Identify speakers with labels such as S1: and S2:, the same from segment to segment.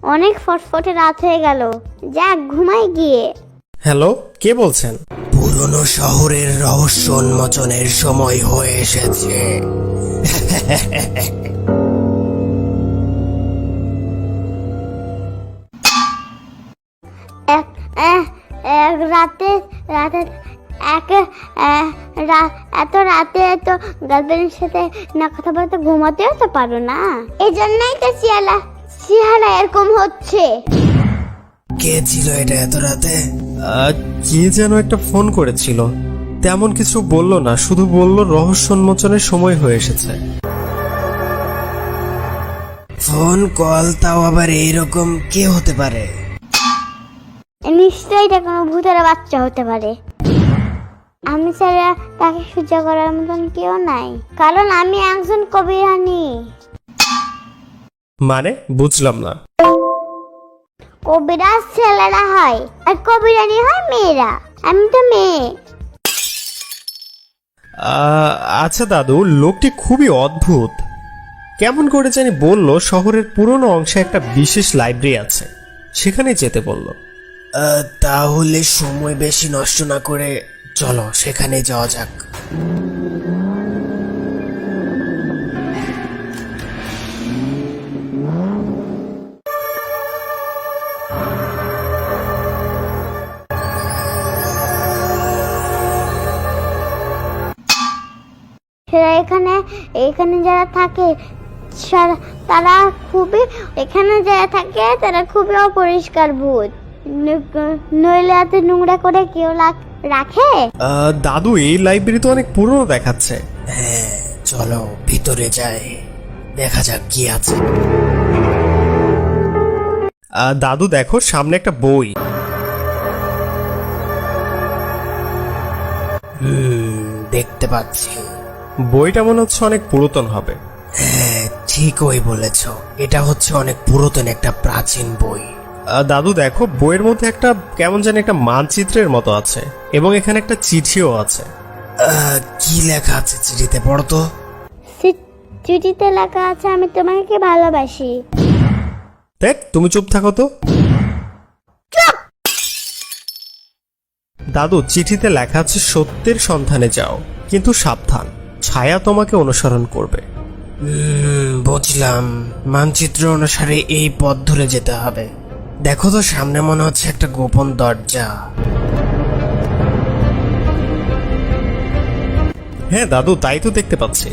S1: অনেক ফটফটে রাত হয়ে গেল, যাক ঘুমাই গিয়ে।
S2: হ্যালো, কে বলছেন?
S3: পুরনো শহরের রহস্য উন্মোচনের সময় হয়ে এসেছে।
S1: এত রাতে তো গার্লফ্রেন্ডের সাথে না কথা বলতে ঘুমাতেও তো পারো না, এই জন্যই তো চেহারা এরকম হচ্ছে।
S3: কে ছিল এটা এত রাতে?
S2: কে যেন একটা ফোন করেছিল, তেমন কিছু বললো না, শুধু বলল রহস্য উন্মোচনের সময় হয়ে এসেছে।
S3: ফোন কল, তাও আবার এইরকম কে হতে পারে?
S1: নিশ্চয়ই এটা কোনো ভূতের বাচ্চা হতে পারে। আমি ছাড়া তাকে সহ্য করার মতন কেউ নাই, কারণ আমি একজন কবিরানী।
S2: মানে বুঝলাম না।
S1: কবিরাজ ছেলেরা হয় আর কবিরানী হয় মেয়েরা, আমি তো মেয়ে।
S2: আচ্ছা দাদু, লোকটি খুবই অদ্ভুত। কেমন করে জানি বলল শহরের পুরনো অংশে একটা বিশেষ লাইব্রেরি আছে, সেখানে যেতে বলল।
S3: তাহলে সময় বেশি নষ্ট না করে চলো সেখানে যাওয়া যাক।
S1: সেরা এখানে যারা থাকে তারা খুবই অপরিষ্কার ভূত। নইলে এত নোংরা করে কেউ রাখে?
S2: দাদু, এই লাইব্রেরি তো অনেক পুরনো দেখাচ্ছে।
S3: হ্যাঁ, চলো ভিতরে যাই, দেখা যাক কি আছে।
S2: দাদু দেখো, সামনে একটা বই।
S3: দেখতে পাচ্ছি।
S2: বইটা মনে হচ্ছে অনেক পুরাতন হবে।
S3: হ্যাঁ, ঠিকই বলেছ, এটা হচ্ছে অনেক পুরাতন একটা প্রাচীন বই।
S2: দাদু দেখো, বইয়ের মধ্যে একটা কেমন জানি একটা মানচিত্রের মতো আছে, এবং এখানে একটা চিঠিও আছে।
S3: কি লেখা আছে চিঠিতে? পড়ো তো।
S1: চিঠিতে লেখা আছে, আমি তোমাকে ভালোবাসি।
S2: দেখ, তুমি চুপ থাকো তো। দাদু, চিঠিতে লেখা আছে সত্যের সন্ধানে যাও, কিন্তু সাবধান, ছায়া তোমাকে অনুসরণ করবে।
S3: বুঝলাম, মানচিত্র অনুসারে এই পথ ধরে যেতে হবে। দেখো তো, সামনে মনে হচ্ছে একটা গোপন দরজা।
S2: হ্যাঁ দাদু, তাই তো দেখতে পাচ্ছি।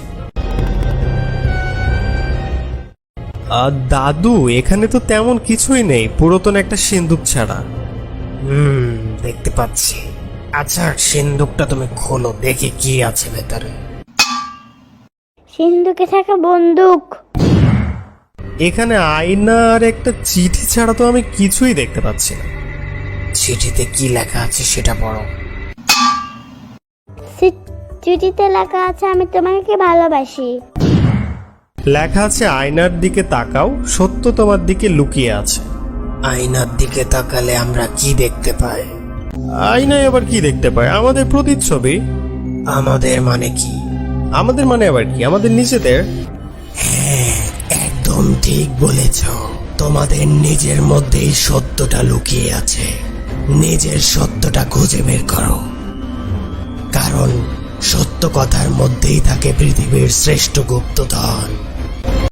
S2: দাদু, এখানে তো তেমন কিছুই নেই, পুরাতন একটা সিন্দুক ছাড়া।
S3: দেখতে পাচ্ছি। আচ্ছা, সিন্দুকটা তুমি খোলো, দেখি কি আছে ভেতরে।
S1: সিন্ধুকে থাকে বন্দুক।
S2: এখানে আয়না আর একটা চিঠি ছাড়া তো আমি কিছুই দেখতে পাচ্ছি না।
S3: চিঠিতে কি লেখা আছে সেটা পড়ো।
S1: চিঠিতে লেখা আছে, আমি তোমাকে ভালোবাসি।
S2: লেখা আছে আয়নার দিকে তাকাও, সত্য তোমার দিকে লুকিয়ে আছে।
S3: আয়নার দিকে তাকালে আমরা কি দেখতে পাই?
S2: আয়নায় আবার কি দেখতে পাই? আমাদের প্রতিচ্ছবি।
S3: আমাদের মানে কি?
S2: আমাদের মানে আবার কি? আমাদের নিজেদের।
S3: হ্যাঁ, একদম ঠিক বলেছ। তোমাদের নিজের মধ্যেই সত্যটা লুকিয়ে আছে। নিজের সত্যটা খুঁজে বের করো, কারণ সত্য কথার মধ্যেই থাকে পৃথিবীর শ্রেষ্ঠ গুপ্তধন।